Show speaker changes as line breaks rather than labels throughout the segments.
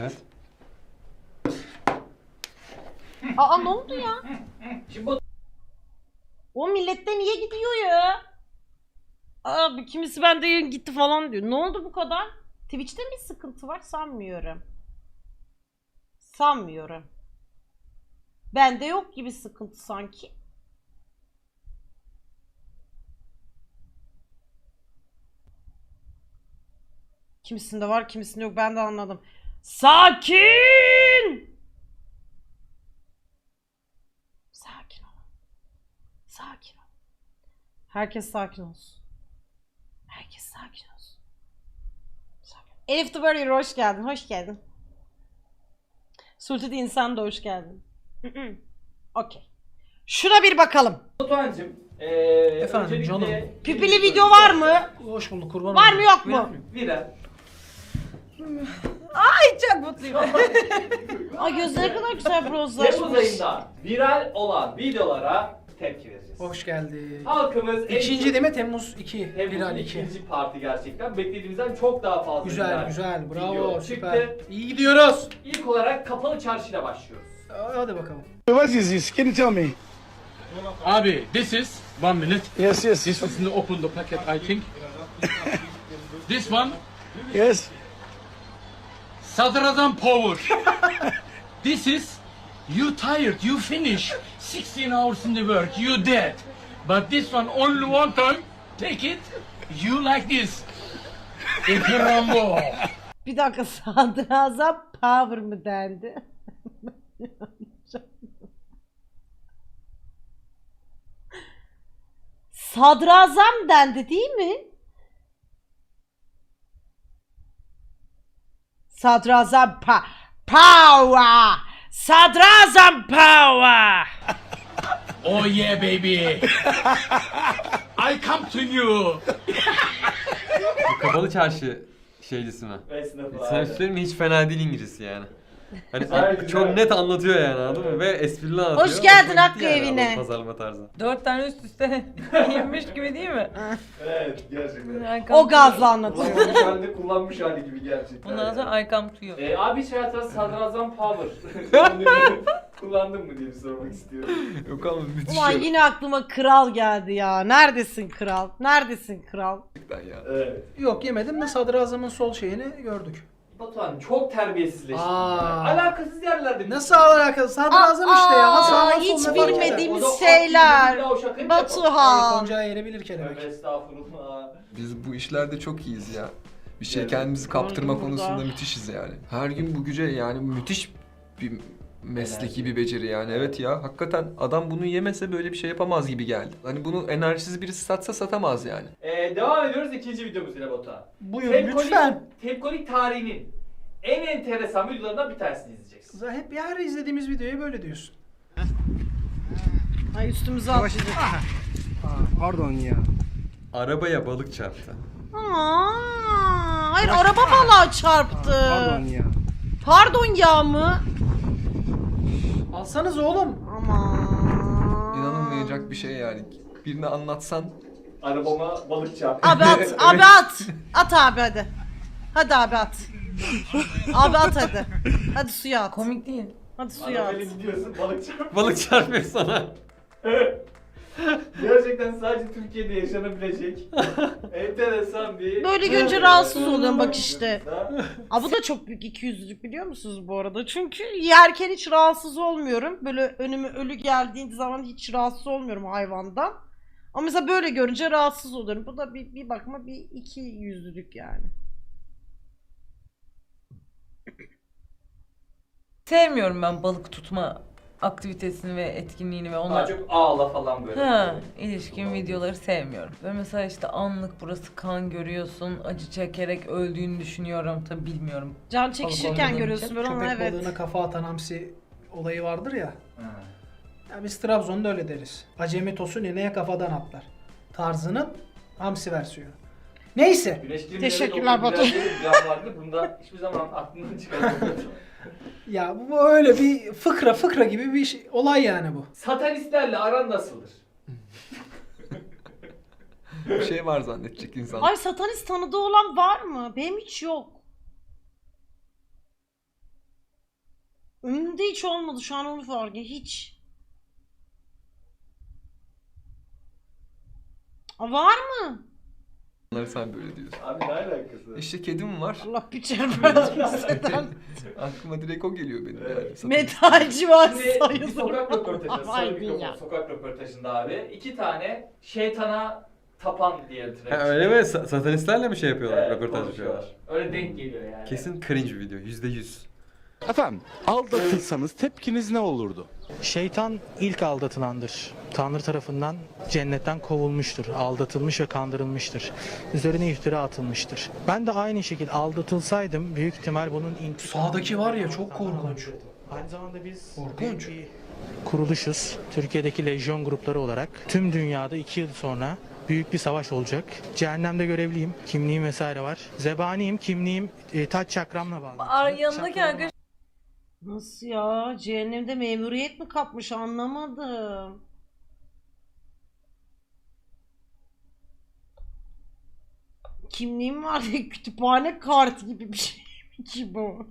Evet.
Aa ne oldu ya? O millette niye gidiyor ya? Abi kimisi bende yayın gitti falan diyor. Ne oldu bu kadar? Twitch'te mi sıkıntı var? Sanmıyorum. Sanmıyorum. Bende yok gibi sıkıntı sanki. Kimisinde var, kimisinde yok. Ben de anladım. Sakin! Sakin ol. Sakin ol. Herkes sakin olsun. Herkes sakin olsun. Sakin. Elif the Warrior hoş geldin. Hoş geldin. Sultan insan da hoş geldin. Okey. Şuna bir bakalım.
Batuhan'cığım,
Efendim,
öncelikle
canım.
Pipili video var mı?
Hoş bulduk, kurban
Var
olayım.
mı yok mu?
Viral.
Çok mutluyum.
Ay gözleri ne kadar güzel bronzlaşmış.
Temmuz ayında viral olan videolara tepki vereceğiz.
Hoş geldin.
Halkımız
İkinci değil mi? Temmuz 2.
Temmuz'un
Viral 2.
ikinci parti gerçekten. Beklediğimizden çok daha fazla
Güzel,
viral
güzel.
video
Bravo,
çıktı.
süper. İyi gidiyoruz.
İlk olarak Kapalı Çarşı'yla başlıyoruz.
Hadi bakalım.
What is this? Can you tell me?
Abi, this is 1 minute.
Yes, yes,
This is to open the packet, I think. This one,
yes.
Sadrazam power. This is, you tired, you finish. 16 hours in the work, you dead. But this one, only one time, take it, you like this. İkrambo.
Bir dakika sadrazam power mı dendi? Sadrazam dendi değil mi? Sadrazam power. Sadrazam power.
Oh yeah, baby. I come to you.
Kapalı çarşı şeycisi mi?
Esnafı
Sana
abi.
söyleyeyim mi? Hiç fena değil İngilizcesi yani. Hani
Güzel, güzel.
çok net anlatıyor yani, anladın mı? Ve esprili anlatıyor.
Hoş geldin
Hoşuma
Hakkı
gitti yani
evine.
adam pazarlama tarzı.
4 tane üst üste yemiş gibi değil mi?
Evet gerçekten.
O gazla anlatıyor.
Kullanmış halde kullanmış hali gibi gerçekten.
Bundan sonra Aykam tutuyor.
Abi hiç hayatında Sadrazam Power kullandın mı diye bir sormak istiyorum.
Yok ama müthiş
Ulan yine aklıma kral geldi ya. Neredesin kral? Neredesin kral?
gerçekten ya.
Evet.
Yok yemedim de Sadrazam'ın sol şeyini gördük.
Batuhan çok terbiyesizleşti.
Aa.
Alakasız yerlerde.
Nasıl alakalı? Sadrazam işte ya. Nasıl
Aa,
nasıl
hiç
ne fark eder?
bilmediğimiz
O da
şeyler.
o şakayı mı yapalım?
Batuhan.
Koncağı yerebilir kelebek.
Tövbe estağfurullah.
Biz bu işlerde çok iyiyiz ya. Bir şey
Evet.
kendimizi kaptırma
Gördüm
konusunda
burada.
müthişiz yani. Her gün bu güce yani müthiş bir mesleki bir beceri yani. Evet ya hakikaten adam bunu yemese böyle bir şey yapamaz gibi geldi. Hani bunu enerjisiz birisi satsa satamaz yani.
Devam ediyoruz ikinci videomuzla Batuhan.
Buyurun lütfen.
Tepkolik tarihinin en enteresan videolarından bir tanesini izleyeceksin.
Hep her izlediğimiz videoya böyle diyorsun.
Ay üstümüze atlayacak.
Pardon ya.
Arabaya balık çarptı.
Hayır araba balığa çarptı.
Pardon ya.
Pardon ya mı?
Alsanız oğlum.
Aman.
İnanılmayacak bir şey yani. Birine anlatsan
Arabama balık çarptı.
Abi at, abi at. At abi hadi. Hadi abi at. Abi at hadi. Hadi suya at.
Komik değil.
Hadi suya at.
Arabayla gidiyorsun balık çarptı.
Balık çarpıyor sana.
Gerçekten sadece Türkiye'de yaşanabilecek enteresan bir...
Böyle görünce rahatsız oluyorum bak işte. Aa, bu da çok büyük ikiyüzlülük biliyor musunuz bu arada? Çünkü yerken hiç rahatsız olmuyorum. Böyle önüme ölü geldiği zaman hiç rahatsız olmuyorum hayvandan. Ama mesela böyle görünce rahatsız oluyorum. Bu da bir bakıma bir ikiyüzlülük yani.
Sevmiyorum ben balık tutma aktivitesini ve etkinliğini ve
Daha
onlar.
çok ağla falan böyle.
Ha, ilişkin videoları sevmiyorum. Ve mesela işte anlık burası kan görüyorsun, acı çekerek öldüğünü düşünüyorum. Tabi bilmiyorum.
Can çekişirken
olmadığım
görüyorsun
için
böyle ama
Köpek
evet.
balığına kafa atan hamsi olayı vardır ya.
Ha.
Ya biz Trabzon'da öyle deriz. Acemi tosun ineğe kafadan atlar. Tarzının hamsi versiyonu. Neyse.
Güneş kremi
Teşekkürler Batu.
Biraz vardı. Bunda hiçbir zaman aklımdan çıkarmadım.
Ya bu öyle bir fıkra gibi bir şey, olay yani bu.
Satanistlerle aran nasıldır?
bir şey var zannedecek insan.
Ay satanist tanıdığı olan var mı? Benim hiç yok. Önümde hiç olmadı, şu an onu fark ettim. Hiç. Var mı?
Onları sen böyle diyorsun.
Abi ne alakası?
İşte kedim var.
Allah bir çarpmasın.
Aklıma direkt o geliyor benim yani.
Metalci var
Şimdi bir
sayılır.
sokak röportajı,
Vay
sarı
be
mikrofon
ya.
sokak röportajında abi. 2 tane şeytana tapan diye
Ha,
direkt.
öyle mi? Satanistlerle mi şey yapıyorlar? Röportaj
konuşuyorlar.
yapıyorlar.
Öyle denk geliyor yani.
Kesin cringe bir video. %100.
Efendim, aldatılsanız tepkiniz ne olurdu?
Şeytan ilk aldatılandır. Tanrı tarafından cennetten kovulmuştur. Aldatılmış ve kandırılmıştır. Üzerine iftira atılmıştır. Ben de aynı şekilde aldatılsaydım büyük ihtimal bunun
Sağdaki var ya çok korkunç.
Aynı zamanda biz
Korkunç.
bir kuruluşuz. Türkiye'deki lejyon grupları olarak tüm dünyada 2 yıl sonra büyük bir savaş olacak. Cehennemde görevliyim. Kimliğim vesaire var. Zebaniyim. Kimliğim taç çakramla bağlı.
Yanındaki arkadaş
Nasıl ya? Cehennemde memuriyet mi kapmış, anlamadım. Kimliğim var diye kütüphane kartı gibi bir şey mi ki bu?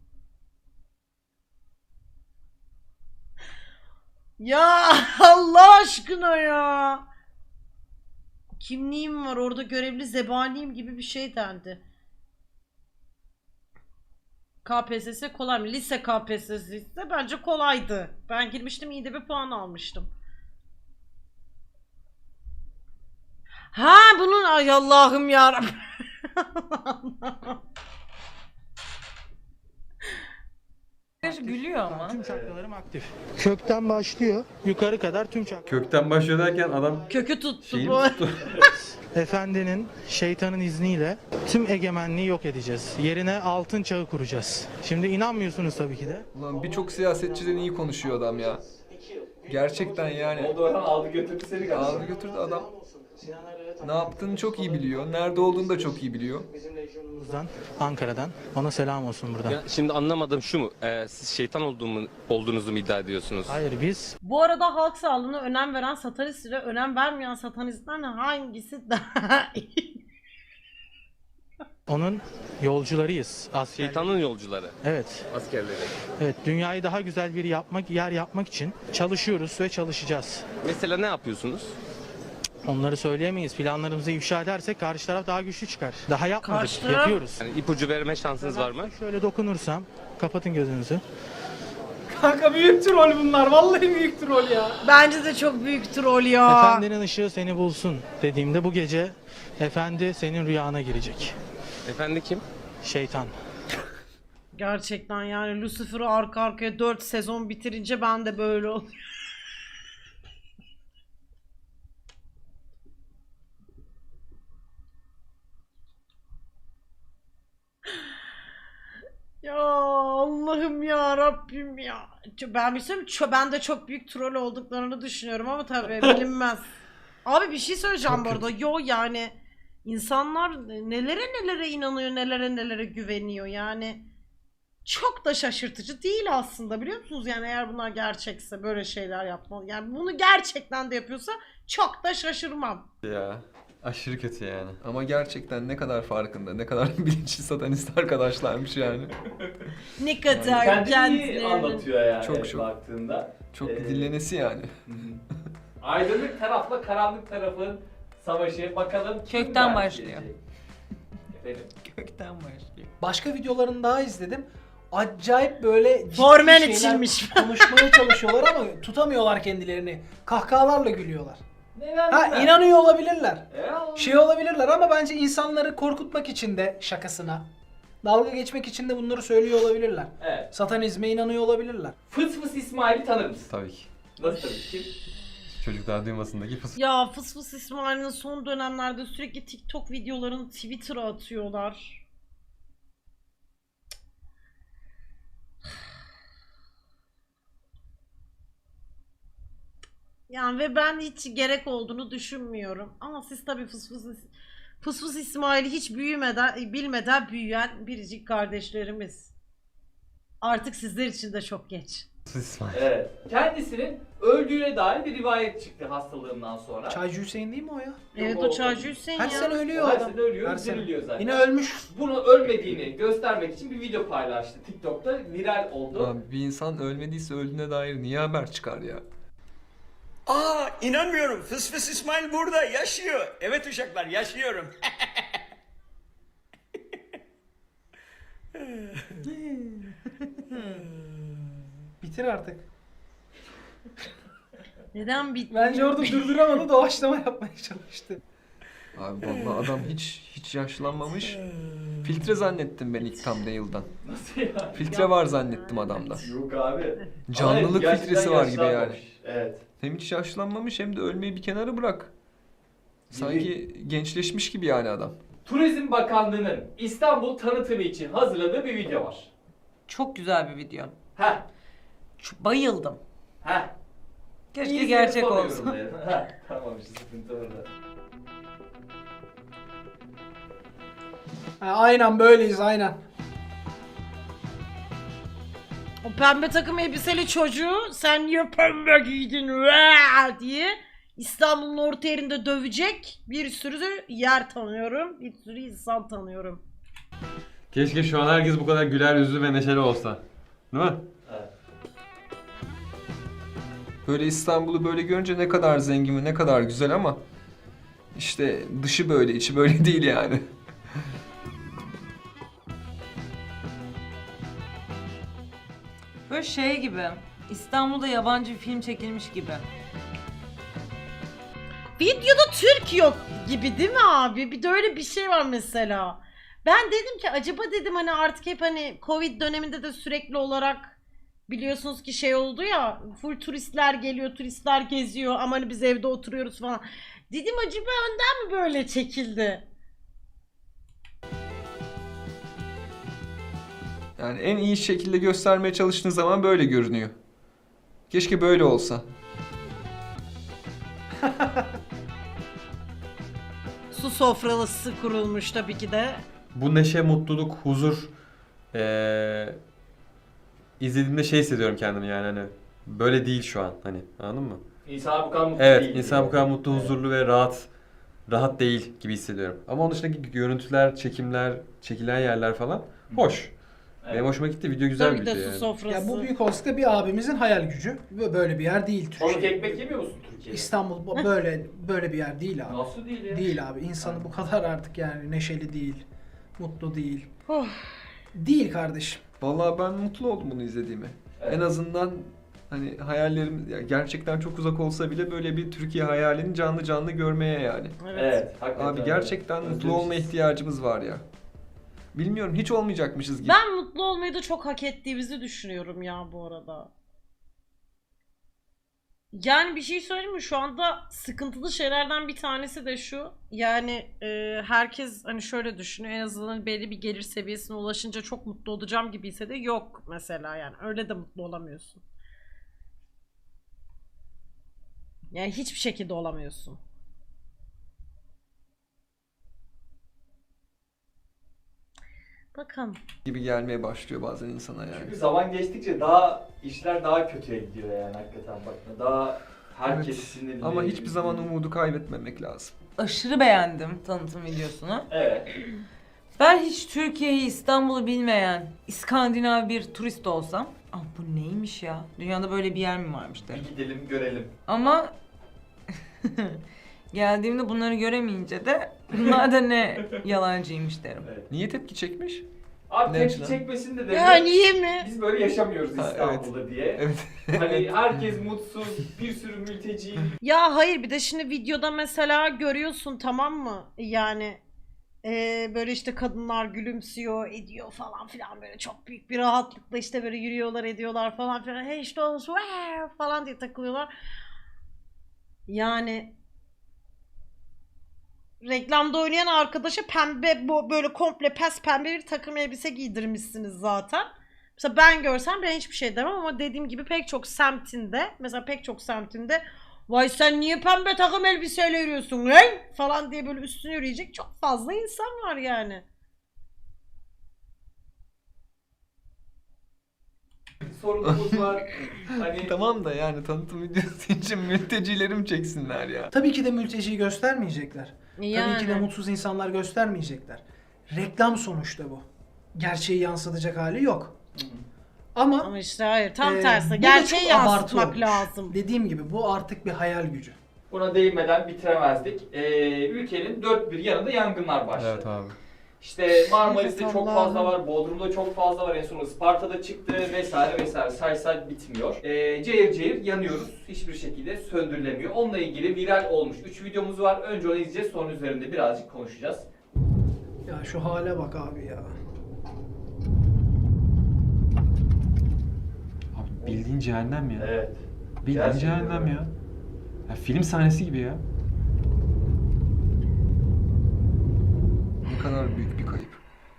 Ya Allah aşkına ya. Kimliğim var, orada görevli zebaniyim gibi bir şey dendi. KPSS kolay mı? Lise KPSS'si ise bence kolaydı. Ben girmiştim, iyi de bir puan almıştım. Ha bunun ay Allah'ım yarabbim.
gülüyor ama.
Tüm çakralarım aktif. Kökten başlıyor. Yukarı kadar tüm çakralarım.
Kökten başlıyor derken adam
Kökü tuttu
şeyi
bu.
tuttu.
Efendinin, şeytanın izniyle tüm egemenliği yok edeceğiz. Yerine altın çağı kuracağız. Şimdi inanmıyorsunuz tabii ki de.
Ulan birçok siyasetçiden iyi konuşuyor adam ya. Gerçekten yani.
Oldu Orhan aldı götürdü seni galiba.
Aldı götürdü adam. Ne yaptığını çok iyi biliyor. Nerede olduğunu da çok iyi biliyor.
Bizim lejyonumuzdan, Ankara'dan. Ona selam olsun buradan.
Ya şimdi anlamadım şu mu? Siz şeytan olduğunuzu mu iddia ediyorsunuz?
Hayır biz
Bu arada halk sağlığına önem veren satanist ile önem vermeyen satanistlerden hangisi daha iyi?
onun yolcularıyız. Asker.
Şeytanın yolcuları,
Evet.
askerleri.
Evet, dünyayı daha güzel bir yer yapmak için çalışıyoruz ve çalışacağız.
Mesela ne yapıyorsunuz?
Onları söyleyemeyiz. Planlarımızı ifşa edersek karşı taraf daha güçlü çıkar. Daha yapmadık,
Karşı taraf-
yapıyoruz.
Yani ipucu verme şansınız var mı?
Şöyle dokunursam, kapatın gözünüzü.
Kanka büyük troll bunlar. Vallahi büyük troll ya.
Bence de çok büyük troll ya.
Efendinin ışığı seni bulsun dediğimde bu gece efendi senin rüyana girecek.
Efendi kim?
Şeytan.
Gerçekten yani Lucifer'ı arka arkaya 4 sezon bitirince ben de böyle oluyorum. Ya Allah'ım ya Rabbim ya. Ben bir şey söyleyeyim mi? Ben de çok büyük troll olduklarını düşünüyorum ama tabii bilinmez. Abi bir şey söyleyeceğim bu arada. Yo yani insanlar nelere nelere inanıyor, nelere nelere güveniyor yani. Çok da şaşırtıcı değil aslında, biliyor musunuz? Yani eğer bunlar gerçekse böyle şeyler yapmalı. Yani bunu gerçekten de yapıyorsa çok da şaşırmam.
Ya. Aşırı kötü yani.
Ama gerçekten ne kadar farkında, ne kadar bilinçli satanist arkadaşlarmış yani.
Ne kadar
Kendini iyi
kendilerinin...
anlatıyor yani
Çok, çok.
baktığında.
Çok dinlenesi yani.
Aydınlık tarafla karanlık tarafın savaşı, bakalım kim
Kökten
galip
başlıyor.
gelecek? Efendim?
Kökten başlıyor.
Başka videolarını daha izledim. Acayip böyle ciddi
Formen
şeyler
içilmiş.
konuşmaya çalışıyorlar ama tutamıyorlar kendilerini. Kahkahalarla gülüyorlar.
Ne
Ha
verdim ben?
inanıyor olabilirler.
Ya,
Şey olabilirler ama bence insanları korkutmak için de şakasına, dalga geçmek için de bunları söylüyor olabilirler.
Evet.
Satanizme inanıyor olabilirler.
Fıs Fıs İsmail'i tanır mısın?
Tabii ki.
Nasıl tanır? Kim?
Çocuklar duymasındaki fıs.
Ya Fıs Fıs İsmail'in son dönemlerde sürekli TikTok videolarını Twitter'a atıyorlar. Yani ve ben hiç gerek olduğunu düşünmüyorum. Ama siz tabii Fıs Fıs İsmail'i hiç bilmeden büyüyen biricik kardeşlerimiz. Artık sizler için de çok geç.
İsmail.
Evet. Kendisinin öldüğüne dair bir rivayet çıktı hastalığından sonra.
Çaycı Hüseyin değil mi o ya?
Evet o Çaycı Hüseyin
Her
ya.
sene ölüyor
Her
adam.
sene ölüyor,
Her sene.
diriliyor zaten.
Yine ölmüş.
Bunu ölmediğini göstermek için bir video paylaştı. TikTok'ta viral oldu.
Abi bir insan ölmediyse öldüğüne dair niye haber çıkar ya?
Aa inanmıyorum. Fıs fıs İsmail burada yaşıyor. Evet uşaklar yaşıyorum.
Bitir artık.
Neden bitti?
Bence orada durduramadı, doğaçlama yapmaya çalıştı.
Abi vallahi adam hiç yaşlanmamış. Filtre zannettim ben ilk thumbnail'dan.
Nasıl ya?
Filtre var zannettim adamda.
Yok abi.
Canlılık
Ama
filtresi var gibi yani.
yaşlanmamış. Evet.
Hem hiç yaşlanmamış hem de ölmeyi bir kenara bırak. Sanki gençleşmiş gibi yani adam.
Turizm Bakanlığı'nın İstanbul tanıtımı için hazırladığı bir video var.
Çok güzel bir video.
Heh.
Bayıldım.
Heh.
Keşke
İyisini
gerçek
soruyorum
olsa.
dedim. Heh, tamam işte sıkıntı orada.
Ha, aynen böyleyiz aynen.
O pembe takım elbiseli çocuğu sen niye pembe giydin Vaa! diye İstanbul'un orta yerinde dövecek bir sürü yer tanıyorum. Bir sürü insan tanıyorum.
Keşke şu an herkes bu kadar güler yüzlü ve neşeli olsa. Değil mi?
Evet.
Böyle İstanbul'u böyle görünce ne kadar zengin ve ne kadar güzel ama işte dışı böyle, içi böyle değil yani.
Böyle şey gibi. İstanbul'da yabancı bir film çekilmiş gibi.
Videoda Türk yok gibi değil mi abi? Bir de öyle bir şey var mesela. Ben dedim ki acaba dedim hani artık hep hani Covid döneminde de sürekli olarak biliyorsunuz ki şey oldu ya, full turistler geliyor, turistler geziyor ama hani biz evde oturuyoruz falan. Dedim acaba önden mi böyle çekildi?
Yani en iyi şekilde göstermeye çalıştığın zaman böyle görünüyor. Keşke böyle olsa.
Su sofralısı kurulmuş tabii ki de.
Bu neşe, mutluluk, huzur izlediğimde şey hissediyorum kendimi yani hani böyle değil şu an hani anladın mı?
İnsan bu kadar mutlu
Evet,
değil.
insan bu kadar mutlu, huzurlu ve rahat değil gibi hissediyorum. Ama onun dışındaki görüntüler, çekimler, çekilen yerler falan hoş.
Evet.
Benim hoşuma gitti. Video güzel
Tabii
bir
de
video
su
yani.
sofrası.
Ya bu büyük olasılıkla bir abimizin hayal gücü. Ve böyle bir yer değil
Balık
Türkiye.
ekmek yemiyor musun Türkiye'de?
İstanbul böyle bir yer değil abi.
Nasıl değil ya?
Değil abi. İnsanı bu kadar artık yani neşeli değil. Mutlu değil.
Oh.
Değil kardeşim.
Vallahi ben mutlu oldum bunu izlediğime.
Evet.
En azından hani hayallerim ya gerçekten çok uzak olsa bile böyle bir Türkiye hayalini canlı canlı görmeye yani.
Evet. Hakikaten
Abi gerçekten
öyle.
mutlu olma
Özlemişiz.
ihtiyacımız var ya. Bilmiyorum hiç olmayacakmışız gibi.
Ben mutlu olmayı da çok hak ettiğimizi düşünüyorum ya bu arada. Yani bir şey söyleyeyim mi? Şu anda sıkıntılı şeylerden bir tanesi de şu. Yani herkes hani şöyle düşünüyor. En azından belli bir gelir seviyesine ulaşınca çok mutlu olacağım gibiyse de yok mesela yani. Öyle de mutlu olamıyorsun. Yani hiçbir şekilde olamıyorsun. Bakalım.
Gibi gelmeye başlıyor bazen insana yani.
Çünkü zaman geçtikçe daha işler daha kötüye gidiyor yani hakikaten bakma. Daha herkes
Evet.
sinirli.
Ama hiçbir zaman umudu kaybetmemek lazım.
Aşırı beğendim tanıtım videosunu.
Evet.
Ben hiç Türkiye'yi, İstanbul'u bilmeyen İskandinav bir turist olsam, "Aa, bu neymiş ya? Dünyada böyle bir yer mi varmış?" derim.
Bir gidelim görelim.
Ama geldiğimde bunları göremeyince de bunlar da ne yalancıymış derim.
Evet.
Niye tepki çekmiş?
Abi
Ne
tepki
açıdan?
çekmesin de
Ya niye mi?
biz böyle yaşamıyoruz
Ha,
İstanbul'da diye.
Evet.
Hani herkes mutsuz, bir sürü mülteci.
Ya hayır bir de şimdi videoda mesela görüyorsun tamam mı? Yani böyle işte kadınlar gülümsüyor ediyor falan filan böyle çok büyük bir rahatlıkla işte böyle yürüyorlar ediyorlar falan filan. Hey işte olsun falan diye takılıyorlar. Yani reklamda oynayan arkadaşa pembe böyle komple pes pembe bir takım elbise giydirmişsiniz zaten. Mesela ben görsem ben hiçbir şey demem ama dediğim gibi pek çok semtinde mesela pek çok semtinde vay sen niye pembe takım elbiseyle yürüyorsun lan falan diye böyle üstüne yürüyecek çok fazla insan var yani.
sorunumuz var. Hani
Tamam da yani tanıtım videosu için mültecileri mi çeksinler ya?
Tabii ki de mülteciyi göstermeyecekler. Tabii ki de
Yani.
mutsuz insanlar göstermeyecekler. Reklam sonuçta bu. Gerçeği yansıtacak hali yok. Ama
Ama işte hayır tam
bu
tersi.
da
Gerçeği
çok abartı
yansıtmak
olmuş.
lazım.
Dediğim gibi bu artık bir hayal gücü.
buna değinmeden bitiremezdik. Ülkenin dört bir yanında yangınlar başladı.
Evet abi.
İşte Marmaris'te
Evet,
çok
Allah'ım.
fazla var, Bodrum'da çok fazla var, en son Isparta'da çıktı vesaire vesaire, say bitmiyor. Cayır cayır yanıyoruz, hiçbir şekilde söndürülemiyor. Onunla ilgili viral olmuş 3 videomuz var. Önce onu izleyeceğiz, sonra üzerinde birazcık konuşacağız.
Ya şu hale bak abi ya.
Abi bildiğin cehennem ya.
Evet.
Bildiğin
Gerçekten
cehennem
öyle.
ya. Ya film sahnesi gibi ya.
Ne kadar büyük bir kayıp.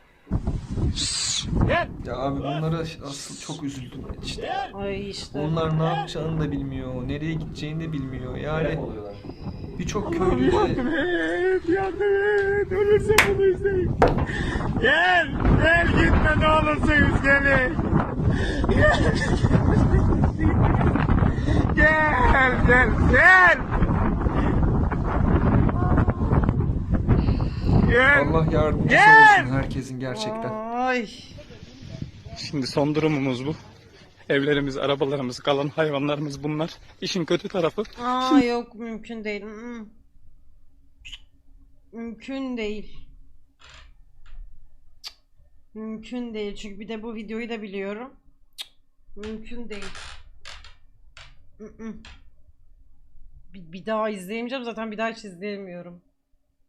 Ya abi bunlara asıl çok üzüldüm işte.
Ay işte.
Onlar ne yapacağını da bilmiyor, nereye gideceğini de bilmiyor.
Telef
Yani
oluyorlar.
birçok köylü de Allah yardımcısı olsun herkesin gerçekten.
Ay.
Şimdi son durumumuz bu. Evlerimiz, arabalarımız, kalan hayvanlarımız bunlar. İşin kötü tarafı.
Aa yok mümkün değil. Mümkün değil. Mümkün değil. Çünkü bir de bu videoyu da biliyorum. Mümkün değil. Bir daha izleyemeyeceğim. Zaten bir daha hiç izleyemiyorum.